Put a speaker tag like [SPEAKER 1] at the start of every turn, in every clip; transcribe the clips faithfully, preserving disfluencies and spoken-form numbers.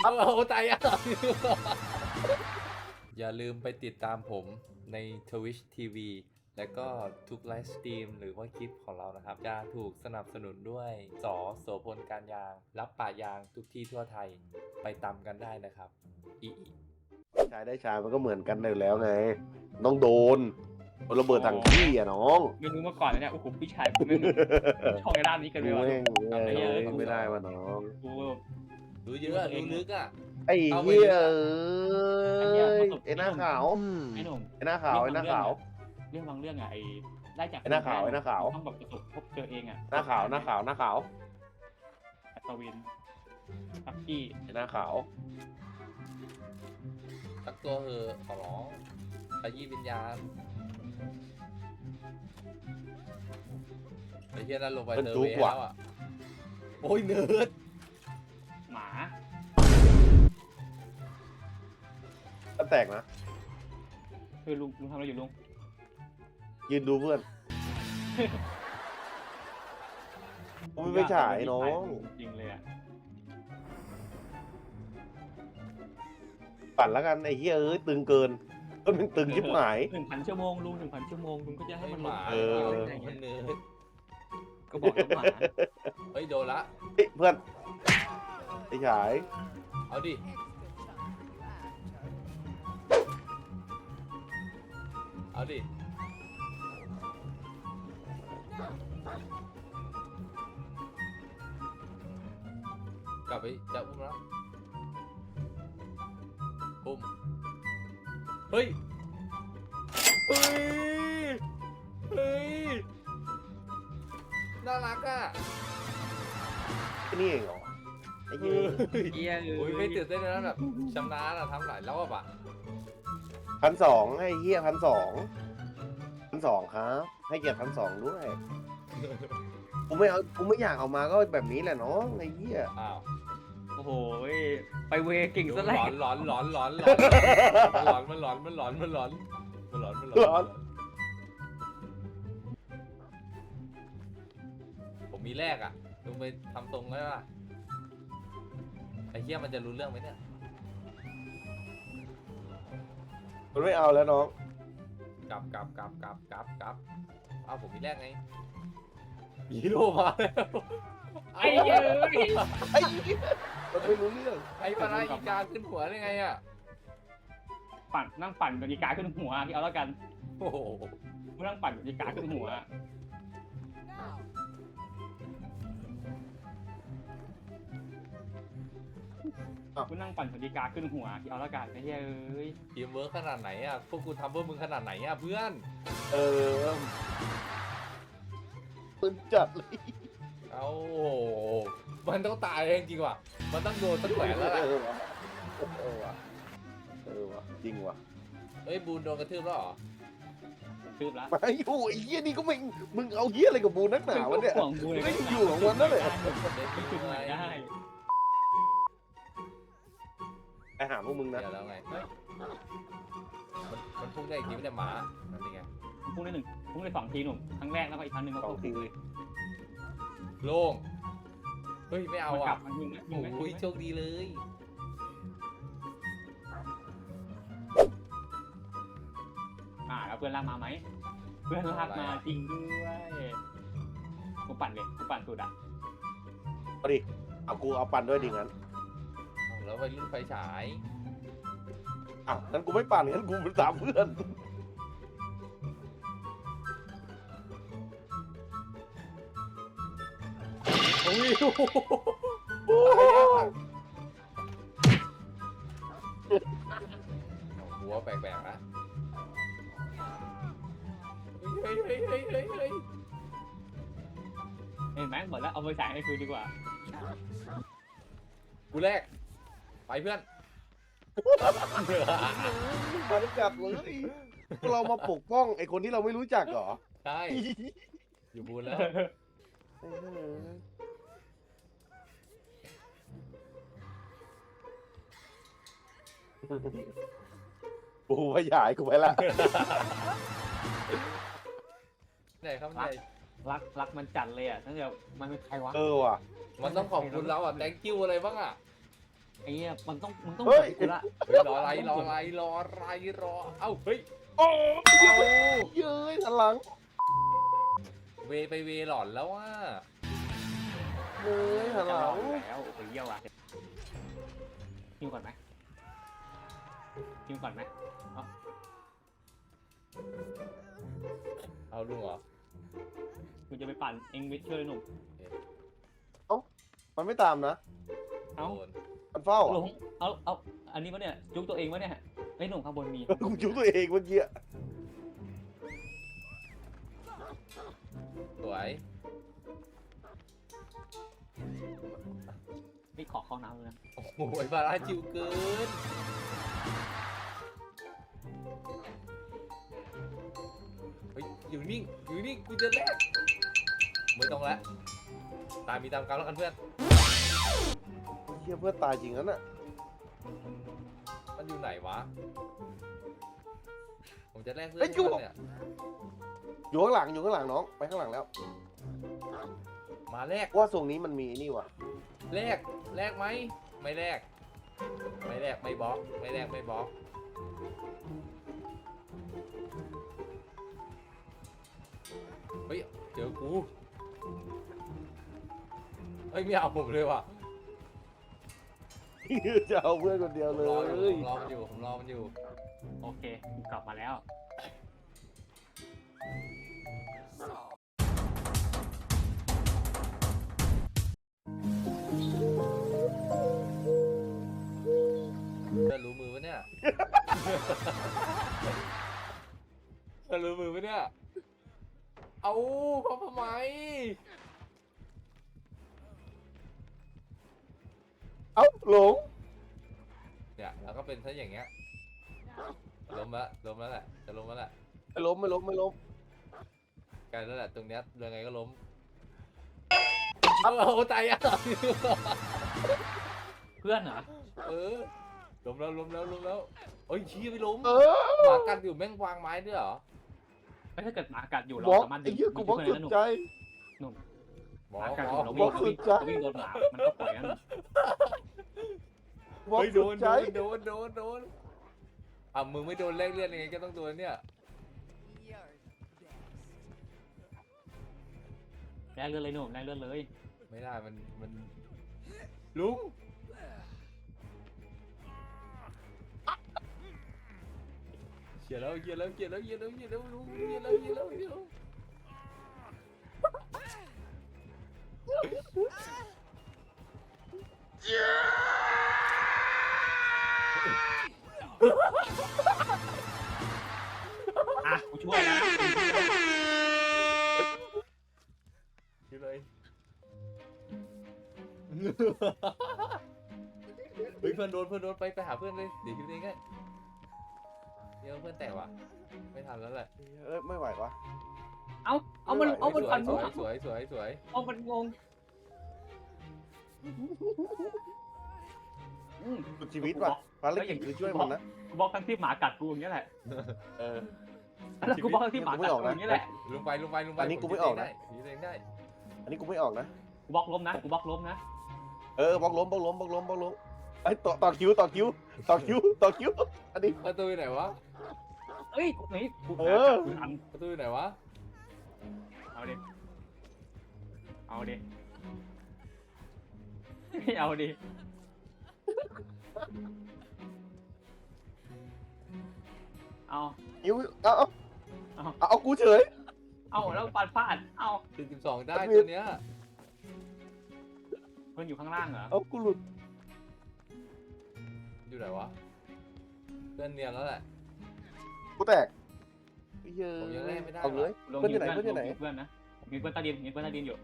[SPEAKER 1] เอาตายอ่ะอย่าลืมไปติดตามผมใน Twitch ที วี และก็ทุกไลฟ์สตรีมหรือว่าคลิปของเรานะครับ จะถูกสนับสนุนด้วยสอโสพลการยาง รับป่ายางทุกที่ทั่วไทยไปตามกันได้นะครับอีอี
[SPEAKER 2] ชายได้ชายมันก็เหมือนกันอยู่แล้วไงน้องโดนระเบิดถังขี้อ่ะน้อง
[SPEAKER 3] ไม่รู้มาก่อนนะเนี่ยโอ้โหพี่ชายผมไม่ชอบในด้านนี้กันเล
[SPEAKER 2] กู
[SPEAKER 3] ยวะ
[SPEAKER 2] แม่ง
[SPEAKER 3] ทำได้เยอะ
[SPEAKER 2] ทำไม่ได้ว่ะน้อง
[SPEAKER 3] กู
[SPEAKER 1] รู้เยอะรู้ลึกอ่ะ
[SPEAKER 2] ไอ้
[SPEAKER 1] เอาไป
[SPEAKER 2] เหี้ย
[SPEAKER 3] ไอ้
[SPEAKER 2] เอ้
[SPEAKER 3] เหี้ย
[SPEAKER 2] ย
[SPEAKER 3] ประสบ
[SPEAKER 2] ไอ้หน้าขาว
[SPEAKER 3] ไอ้หนุ่ม
[SPEAKER 2] ไอ้หน้าขาวไอ้หน้าขาว
[SPEAKER 3] เรื่องบางเรื่องอะไอ้ได้จาก
[SPEAKER 2] ไอ้หน้าขาวไอ้หน้าขาว
[SPEAKER 3] ต้องแบบประสบพบเจอเองอะ
[SPEAKER 2] หน้าขาวหน้าขาวหน้าขาว
[SPEAKER 3] อัศวินทักกี้
[SPEAKER 2] ไอ้หน้าขาว
[SPEAKER 1] ตักตัวเหอะขอร้องขยี้วิญญาณไอ้เหี้ยนั่นลงไปเนอร์เวย์แล้วอ่ะโอ้ยเนิร์ด
[SPEAKER 3] หมา
[SPEAKER 2] ก็แตกนะ
[SPEAKER 3] คือลุงลุงทำอะไรอยู่ลุง
[SPEAKER 2] ยืนดูเพื่อนกูไม่ไปฉายน้อง
[SPEAKER 3] จริงเลยอะ
[SPEAKER 2] ปั่นแล้วกันไอ้เหี้ยเอ้ยตึงเกินก็มันตึงชิบหาย
[SPEAKER 3] หนึ่งพันชั่วโมงลุงหนึ่งพันชั่วโมงลุงก็จะให้
[SPEAKER 1] ให้
[SPEAKER 3] มัน
[SPEAKER 1] หมา
[SPEAKER 2] เออ
[SPEAKER 1] มันเนิร์ด
[SPEAKER 3] ก็บอกแล้วหมา
[SPEAKER 1] เฮ้ยโดนละ
[SPEAKER 2] เฮ้ยเพื่อนไอ้ฉาย
[SPEAKER 1] เอาดิเอาดิกลับไปจะอุ้มแล้วอุ้มเฮ้ยเฮ้ยเฮ้ยน่ารักอ่ะ
[SPEAKER 2] ไอ้นี่เองเหรอไอ้
[SPEAKER 1] เอ
[SPEAKER 2] เหี้ย
[SPEAKER 1] อ
[SPEAKER 3] เฮีย
[SPEAKER 1] โอ้ยไม่ตื่นเต้นเลยนะแบบชำนาญอะทำหลายรอบอะ
[SPEAKER 2] พันสองไอ้เหี้ยพันสองพันสองครับ ให้เกียรติพันสองด้วยกูไม่เอากูไม่อยากเอามาก็แบบนี้แหละน้องไอ้เหี้ย
[SPEAKER 1] อ้าว
[SPEAKER 3] โอ้โหไปเวเก่งซะ
[SPEAKER 1] ห
[SPEAKER 3] แล้
[SPEAKER 1] ล
[SPEAKER 3] ว
[SPEAKER 1] อนหลอนหลอนหลอนหลอนมันหลอนมันหลอนมันหลอนมันหลอนมันหลอนมันหลอนผมมีแรกอะลุงไปทำตรงได้ป่ะไอ้เหี้ยมันจะรู้เรื่องไหมเนี่ย
[SPEAKER 2] มันไม่เอาแล้วน้อง
[SPEAKER 1] กลับกลับกลับกลับกลับกลับอ้าวผมมีแรกไงฮีโร่มาแล้ว
[SPEAKER 3] ไอ้เหี้ย
[SPEAKER 2] ไอ้เหี้ยมันไม่รู้เรื่อง
[SPEAKER 1] ไอ้ปลาไหลอีกาขึ้นหัวได้ไงอะ
[SPEAKER 3] ปั่นนั่งปั่นกับอีกาขึ้นหัวที่เอาแล้วกัน
[SPEAKER 1] โอ้โห
[SPEAKER 3] กูนั่งปั่นกับอีกาขึ้นหัวกูนั่งปั่นกับอีกาขึ้นหัวที่เอาแล้วกันไอ้เหี้ยเอ้ย
[SPEAKER 1] ทีมเวิร์คขนาดไหนอะพวกกูทำเพื่อมึงขนาดไหนอะเพื่อน
[SPEAKER 2] เออปืนจัดเลย
[SPEAKER 1] เอาโอ้โหมันต้องตายเองจริงว่ะมันต้องโดนตั้งแขวนแล้วแหละ
[SPEAKER 2] เออวะเออวะเออวะจริงวะ
[SPEAKER 1] เฮ้ยบูนโดนกระทืบแล้วเหรอ
[SPEAKER 3] คืบละ
[SPEAKER 2] ไม่อยู่ไอ้เหี้ยนี่ก็ไม่มึงเอาเหี้ยอะไรกับบูนักหนาวะเนี่ย
[SPEAKER 3] ห่วงกูเลย
[SPEAKER 2] ไม่อยู่ของมันนั่นแหละ
[SPEAKER 3] ไม่จุดไหนได้
[SPEAKER 2] ไอ้หาพวกมึงนะ
[SPEAKER 1] เดี๋ยวแล้วไงเฮ้ยมันมันพุ่งได้อีกทีไม่ได้หมานั่นเองไง
[SPEAKER 3] พุ่งได้หนึ่งพุ่งได้สองทีหนุ่มครั้งแรกแล้วก็อีกครั้งหนึ่งก็พุ่งทีเลย
[SPEAKER 1] โล่งเฮ้ยไม่เอา
[SPEAKER 3] มันกลั
[SPEAKER 1] อ่ะ
[SPEAKER 3] บมันยิงไหมยิงไหม
[SPEAKER 1] โอ้ยโชคดีเลย
[SPEAKER 3] อ่าแล้วเพื่อนลากมาไหมเพื่อนลากมาจริงด้วยกูปั่นเลยกูปั่นสุดอ่ะ
[SPEAKER 2] เอาดิเอากูเอาปั่นด้วยดิงั้น
[SPEAKER 1] เอาแล้วไปรุ่นไฟฉาย
[SPEAKER 2] อ้าวงั้นกูไม่ปั่นงั้นกูไปตามเพื่อนโอ้ยโอ้ย
[SPEAKER 1] หัวแปลกๆนะเฮ้ยเฮ้ยเฮ้ยเฮ้ยเฮ้ย
[SPEAKER 3] เห็นไหมหมดแล้วเอาไปใส่ให้คือดีกว่า
[SPEAKER 1] กูแรกไปเพื่อน
[SPEAKER 2] มาได้จับเลยพวกเรามาปกป้องไอ้คนที่เราไม่รู้จักเหรอ
[SPEAKER 1] ใช่อยู่บูนแล้ว
[SPEAKER 2] กูไปหยายกูไปละ
[SPEAKER 1] ไหนครับไหน
[SPEAKER 3] รักรักมันจัดเลยอ่ะตั้งแต่มันเป็นใครวะ
[SPEAKER 2] เออว่ะ
[SPEAKER 1] มันต้องขอบคุณเราอ่ะ thank you อะไรบ้างอ่ะ
[SPEAKER 3] ไอ้เหี้ยมันต้องมึงต้อง
[SPEAKER 2] เฮ้ย
[SPEAKER 3] กูละ
[SPEAKER 1] เฮ้ยรออะไรรออะไรรออะไรรอเอ้าเฮ้ย
[SPEAKER 2] โอ้
[SPEAKER 1] เอา
[SPEAKER 2] เย้ยหันหลัง
[SPEAKER 1] เวไปเวหลอนแล้วว่า
[SPEAKER 2] เย้ยหัน
[SPEAKER 3] จะ
[SPEAKER 2] ห
[SPEAKER 3] ร
[SPEAKER 2] ลั
[SPEAKER 3] อง อยู่แล้วโอ้โหเยี่ยวอ่ะพิมพ์ก่อนไหมพิมพ์ก่อนไหม
[SPEAKER 1] เอาลุงเหรอ
[SPEAKER 3] กูจะไปปั่นเองวิทย์ช่วยหนุ่ม
[SPEAKER 2] มันไม่ตามนะ
[SPEAKER 3] เอ้า
[SPEAKER 1] โดน
[SPEAKER 2] มันเฝ้า
[SPEAKER 3] หล
[SPEAKER 2] อะ
[SPEAKER 3] งเอาเอาอันนี้วะเนี่ยจุกตัวเองวะเนี่ยไอ้หนุ่มข้างบนมี
[SPEAKER 2] กูจุกตัวเองเมื่อกี้
[SPEAKER 1] สวย
[SPEAKER 3] นี่ขอเข้าน้ำเลยนะ
[SPEAKER 1] โอ้โหบาราจิวเกินเฮ้ยอยู่นิ่งอยู่นิ่งกูจะแลกไม่ต้องแล้วตามมีตามกรรมแล้วกันเพื่อน
[SPEAKER 2] เฮียเพื่อนตายจริงนั้นอ่ะ
[SPEAKER 1] มันอยู่ไหนวะผมจะแลกเพื่อนเนี่ย
[SPEAKER 2] อยู่ข้างหลังอยู่ข้างหลังน้องไปข้างหลังแล้ว
[SPEAKER 1] มาแลก
[SPEAKER 2] ว่าทรงนี้มันมีนี่ว่ะ
[SPEAKER 1] แลกแลกไหมไม่แลกไม่แลกไม่บล็อกไม่แลกไม่บล็อกเฮ้ยเจอกูเฮ้ยไม่เอาผมเลยว่ะ
[SPEAKER 2] จะเอาเพื่อนคนเดียว
[SPEAKER 1] ผม
[SPEAKER 2] เล
[SPEAKER 1] รออยู่
[SPEAKER 2] ย
[SPEAKER 1] ผมรอมันอยู่ผมรอมันอยู่
[SPEAKER 3] โอเคกูกลับมาแล้ว
[SPEAKER 1] จะรู้มือปะเนี่ย จะรู้มือปะเนี่ย เอาพ่อทำไม
[SPEAKER 2] เอ้าหลง
[SPEAKER 1] เนี่ยแล้วก็เป็นซะอย่างเงี้ยล้มละล้มแล้วแหละจะล้มแล้วแหละ
[SPEAKER 2] ไม่ล้มไม่ล้มไม่ล้ม
[SPEAKER 1] ใกล้แล้วแหละตรงเนี้ยยังไงก็ล้มเอาเอาตายอ่ะ
[SPEAKER 3] เพื่อนเหรอ
[SPEAKER 1] เออล้มแล้วล้มแล้วล้มแล้วเอ้ยชี้ไปล้ม
[SPEAKER 2] เอ
[SPEAKER 1] ห
[SPEAKER 2] อ
[SPEAKER 1] มากัดอยู่แม่งวางไม้ด้วยเหรอ
[SPEAKER 3] ไม่ถ้าเกิดหมากัดอยู่
[SPEAKER 2] บ
[SPEAKER 3] เรา
[SPEAKER 2] ล็อก
[SPEAKER 3] สามารถ
[SPEAKER 2] ไอ้เหี้ยกูบล็อก
[SPEAKER 3] ดึ
[SPEAKER 2] สุ
[SPEAKER 3] ง
[SPEAKER 2] ด
[SPEAKER 3] เพื่อน
[SPEAKER 2] ใจ
[SPEAKER 3] ได้นะหนุ่ม
[SPEAKER 1] บอ
[SPEAKER 3] หมาก กัด
[SPEAKER 1] บ
[SPEAKER 3] อ
[SPEAKER 1] อยู่ ก
[SPEAKER 3] เรา
[SPEAKER 2] บล็
[SPEAKER 3] วิ่
[SPEAKER 2] อง ก
[SPEAKER 3] เรา
[SPEAKER 2] สุ
[SPEAKER 3] วิ่
[SPEAKER 2] ด
[SPEAKER 3] ง
[SPEAKER 2] ใจ
[SPEAKER 3] เราวิ่งโดนหมามันก็ปล่อยนั่น
[SPEAKER 2] บล็อก
[SPEAKER 1] เฮ้ยโด
[SPEAKER 2] สุด
[SPEAKER 1] น
[SPEAKER 2] ใจ
[SPEAKER 1] โดนโดนโดนโดนอ่ะมึงไม่โดนแลกเลือดยังไงก็ต้องโดนเนี่ย
[SPEAKER 3] แรงเลือดเลยหนุ่มแรงเลือดเลย
[SPEAKER 1] ไม่ได้มันมันลุงเขียนแล้วเขียนแล้วเขียนแล้วเขียนแล้วเขียนแล้วลุงเขียนแล้วเขียนแล้วเขียนแล้ว
[SPEAKER 3] อ่ะกูช่วยนะ
[SPEAKER 1] คิดเลยเฮ้ยเพื่อนโดนเพื่อนโดนไปไปหาเพื่อนเลยเดี๋ยวคิดเองไงเดี๋ยวเพื่อนแตกว่ะไม่ทันแล้วแหละ
[SPEAKER 2] เอ้ยไม่ไหววะ
[SPEAKER 3] เอาเอามันเอามัน
[SPEAKER 1] สว
[SPEAKER 3] ปั่
[SPEAKER 1] ย
[SPEAKER 3] น
[SPEAKER 1] ส
[SPEAKER 3] กู
[SPEAKER 1] วยสวยสวยสวย
[SPEAKER 3] เอามันงงอืม
[SPEAKER 2] สุดชีวิตว่ะภารกิจคือช่วยมันนะ
[SPEAKER 3] กูบอกทั้งที่หมากัดกูอย่างเงี้ยแหละ
[SPEAKER 2] เออ
[SPEAKER 3] แล้วกูบอกทั้งที่หมากัดกูอย่างเงี้ยแหละ
[SPEAKER 1] ลงไปลงไปลงไป
[SPEAKER 2] อันนี้กูไม่ออกนะ
[SPEAKER 1] คิดเองได้
[SPEAKER 2] อันนี้กูไม่ออกนะ
[SPEAKER 3] กูบล็อกล้มนะกูบล็อกล้มนะ
[SPEAKER 2] เออบล็อกล้มบล็อกล้มบล็อกล้มบล็อกล้มไอ้ยต่อต่อคิวต่อคิวต่อคิวต่อคิวอันนี้
[SPEAKER 1] ประตูอยู่ไหนวะ
[SPEAKER 3] เอ้ยกูนี่กู
[SPEAKER 2] เอ
[SPEAKER 3] หา
[SPEAKER 2] อ
[SPEAKER 3] กัดกูทัน
[SPEAKER 1] ประตูอยู่ไหนวะ
[SPEAKER 3] เอาดิเอาดิเอาดิเอา
[SPEAKER 2] คิวเอาเอา
[SPEAKER 3] เอา
[SPEAKER 2] เอาเอากูเฉย
[SPEAKER 3] เอาแล้วปาดพลาดเอา
[SPEAKER 1] สี่สิบสองได้
[SPEAKER 2] อันนี้
[SPEAKER 1] ตัวเนี้ย
[SPEAKER 3] เพื่อนอยู่ข้างล่างเหรอ
[SPEAKER 2] เอากูหลุด
[SPEAKER 1] อยู่ไหนวะเพื่อนเนียนแล้วแหละ
[SPEAKER 2] กูแตกเย
[SPEAKER 1] ผมยังแลกไม่ได้
[SPEAKER 2] เอาเลย
[SPEAKER 3] ลง
[SPEAKER 2] เพื่อนอยู่ไหน
[SPEAKER 3] เพื่
[SPEAKER 2] เพื่อนอยู่ไหน
[SPEAKER 3] ลงเพื่อนนะมีเพื่อนใต้ดินมีเพื่อนใต้ดินอยู่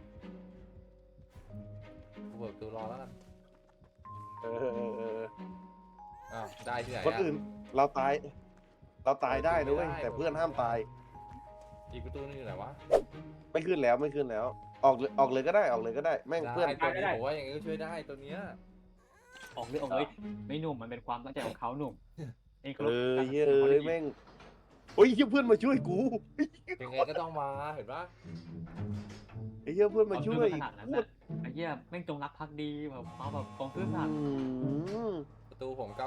[SPEAKER 1] กูเบิกตัวรอแล้วกัน
[SPEAKER 2] เออเออเออเออ
[SPEAKER 1] อ้าวได้ที่ไหน
[SPEAKER 2] คน
[SPEAKER 1] อะ
[SPEAKER 2] อื่นเราตาย เราตายได้นะเว้ย
[SPEAKER 1] ไม่ได้
[SPEAKER 2] แต่เพื่อนห้ามตาย
[SPEAKER 1] อีกประตูนึงอยู่ไหนวะ
[SPEAKER 2] ไม่ขึ้นแล้วไม่ขึ้นแล้ว ออกเลยออกเลยก็ได้ออกเลยก็ได้แม่งเพื่อน
[SPEAKER 1] ได้ตัวนี้ผมว่าอย่างงี้ก็ช่วยได้ตัวเนี้ย
[SPEAKER 3] ออกเลยออกเลยไม่หนุ่มมันเป็นความตั้งใจของเขาหนุ่มเองเคาร
[SPEAKER 2] เอ
[SPEAKER 3] พ
[SPEAKER 2] อ
[SPEAKER 3] การ
[SPEAKER 2] เย้
[SPEAKER 3] ตัดสินของ
[SPEAKER 2] ย
[SPEAKER 3] เขา
[SPEAKER 2] แม่งโอ้ยเหี้ยเพื่อนมาช่วยกู
[SPEAKER 1] ยังไงก็ต้องมาเห็นปะ
[SPEAKER 2] ไอ้เหี้ยเพื่อนมาช่วย
[SPEAKER 3] ขนาดนั้นน่ะไอ้เหี้ยแม่งจงรักภักดีแบบมาแบบกองซื่อสัตย์
[SPEAKER 2] อืม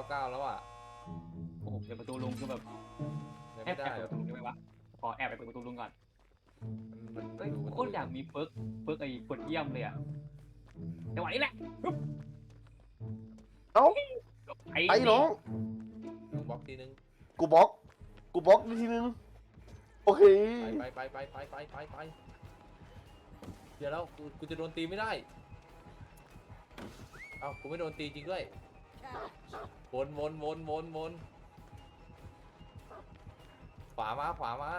[SPEAKER 1] าเก้าแล้วอ่ะ
[SPEAKER 3] โอ้โหเปิดประตูลุงคือแบบ
[SPEAKER 1] เดิน
[SPEAKER 3] แอบ
[SPEAKER 1] ไม่
[SPEAKER 3] แอ
[SPEAKER 1] ได้
[SPEAKER 3] บ
[SPEAKER 1] เหร
[SPEAKER 3] เปิด
[SPEAKER 1] อ
[SPEAKER 3] ประตูลุงได้ไหมวะขอแอบไปเปิดประตูลุงก่อน
[SPEAKER 1] มัน
[SPEAKER 3] เฮ้ย
[SPEAKER 1] ดู
[SPEAKER 3] โคตรอยากมีเปิร์กเปิร์กไอ้กดเยี่ยมเลยอะจังหวะนี้แหละปึ๊บ
[SPEAKER 2] เอ้า
[SPEAKER 3] ไอ้
[SPEAKER 2] ไอ้น้อง
[SPEAKER 1] ลุงบล็อกทีนึง
[SPEAKER 2] กูบล็อกกูบล็อกทีนึงโอเค
[SPEAKER 1] ไปไปไปไปไปไปไปเดี๋ยวแล้วกูกูจะโดนตีไม่ได้เอ้ากูไม่โดนตีจริงด้วยวนวนวนวนวนขวามาขวามา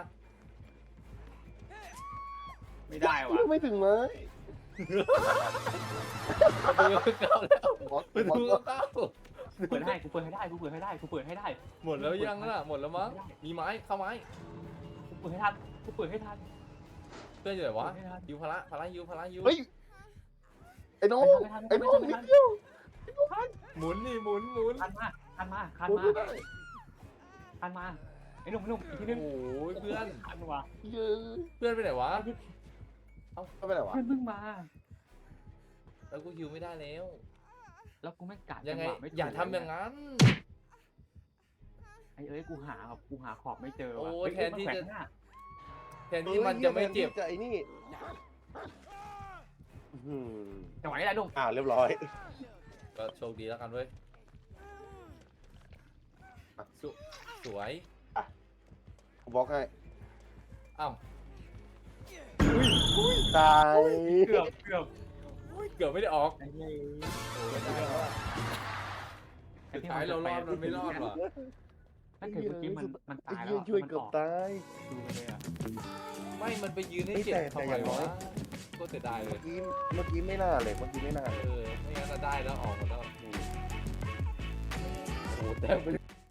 [SPEAKER 3] ไม่ได้ว่ะ
[SPEAKER 2] ไม่ถึงไหม
[SPEAKER 1] ประตูเก้าแล้ว
[SPEAKER 2] บล็อก
[SPEAKER 1] ประ
[SPEAKER 2] บล็อก
[SPEAKER 1] ตูเก้า
[SPEAKER 3] กูเปิดให้กูเปิดให้ได้กูเปิดให้ได้กูเปิดให้ได้
[SPEAKER 1] หมดแล้วยังล่ะหมดแล้วมั้งมีไม้เข้าไม้
[SPEAKER 3] กูเปิดให้ทันกูเปิดให้ทัน
[SPEAKER 1] เพื่อนอยู่ไหนวะ
[SPEAKER 3] เปิดให้ทัน
[SPEAKER 1] ยูพละพละยูพละยู
[SPEAKER 2] เฮ้ยไอ้น้อง
[SPEAKER 3] ไม่ทัน
[SPEAKER 2] ไอ้
[SPEAKER 3] ไม่
[SPEAKER 2] น้อง
[SPEAKER 3] ทัน
[SPEAKER 2] นิ
[SPEAKER 3] ไม่
[SPEAKER 2] ด
[SPEAKER 3] ทัน
[SPEAKER 2] เดียว
[SPEAKER 1] หมุนนี่หมุนหมุน
[SPEAKER 3] คันมาคันมาคัน
[SPEAKER 2] พูด
[SPEAKER 3] มา
[SPEAKER 2] ไม่ได้
[SPEAKER 3] คันมาไอ้หนุ่มไอ้หนุ่มอีกทีนึง
[SPEAKER 1] โอ้ยเพื่อน
[SPEAKER 3] คันว่ะ
[SPEAKER 2] เยอะ
[SPEAKER 1] เพื่อนไปไหนวะ
[SPEAKER 2] ไม่เป็นไรวะ
[SPEAKER 3] เพื่อนเพิ่งมา
[SPEAKER 1] แล้วกูฮิวไม่ได้แล้ว
[SPEAKER 3] แล้วกูไม่กัด
[SPEAKER 1] ยังไง
[SPEAKER 3] จัหวะม่ถูก
[SPEAKER 1] อย่าทำอย่างนั้น
[SPEAKER 3] ไอ้เอ้ยกูหาแบบกูหาขอบไม่เจอว่ะ
[SPEAKER 1] โอ้
[SPEAKER 3] เฮ้ย
[SPEAKER 1] แทนที่
[SPEAKER 3] มั
[SPEAKER 1] จะ
[SPEAKER 3] แขวนหน้า
[SPEAKER 1] แทนที่มันจะไม่เจ็บ
[SPEAKER 2] จะไอ้นี่อื้อหือ
[SPEAKER 3] จังหวะนี้แหละหนุ่ม
[SPEAKER 2] อ่าเรียบร้อย
[SPEAKER 1] ก็โชคดีแล้วกันเว้ยสวสวย
[SPEAKER 2] กูบล็อกให้
[SPEAKER 1] อ้าว
[SPEAKER 2] ตาย
[SPEAKER 3] เกือบเกือบ
[SPEAKER 1] เกือบไม่ได้ออก
[SPEAKER 3] ไอ้เหี้ย
[SPEAKER 1] โอ้ยได้แล้วอะสุดท้ายเรารอดมันไม่รอดว่ะ
[SPEAKER 3] ถ้าเกิดเมื่อกี้มันมัน
[SPEAKER 2] ไอ้
[SPEAKER 3] ตายแล้
[SPEAKER 2] เหี้
[SPEAKER 3] วย อะ
[SPEAKER 2] ช่วย
[SPEAKER 3] มัน
[SPEAKER 2] เกือ
[SPEAKER 3] อบ อก
[SPEAKER 2] ตาย
[SPEAKER 3] ดูไปเลยอ่ะ
[SPEAKER 1] ไม่มันไปยืนให้
[SPEAKER 2] เฮ้ย
[SPEAKER 1] เจ็บ
[SPEAKER 2] แต่
[SPEAKER 1] ทำ
[SPEAKER 2] แต่
[SPEAKER 1] ไม
[SPEAKER 2] อย่างน้อ
[SPEAKER 1] วะ
[SPEAKER 2] ย
[SPEAKER 1] ก็เสียดายเล
[SPEAKER 2] เมื่อย กี้เมื่อกี้ไม่น่าเลยเมื่อกี้ไม่น่าเลย
[SPEAKER 1] เออไม่งั้นจะได้แล้วออกหมดแล้ว
[SPEAKER 2] อืม
[SPEAKER 1] โอ้โหแต่ไม่ได้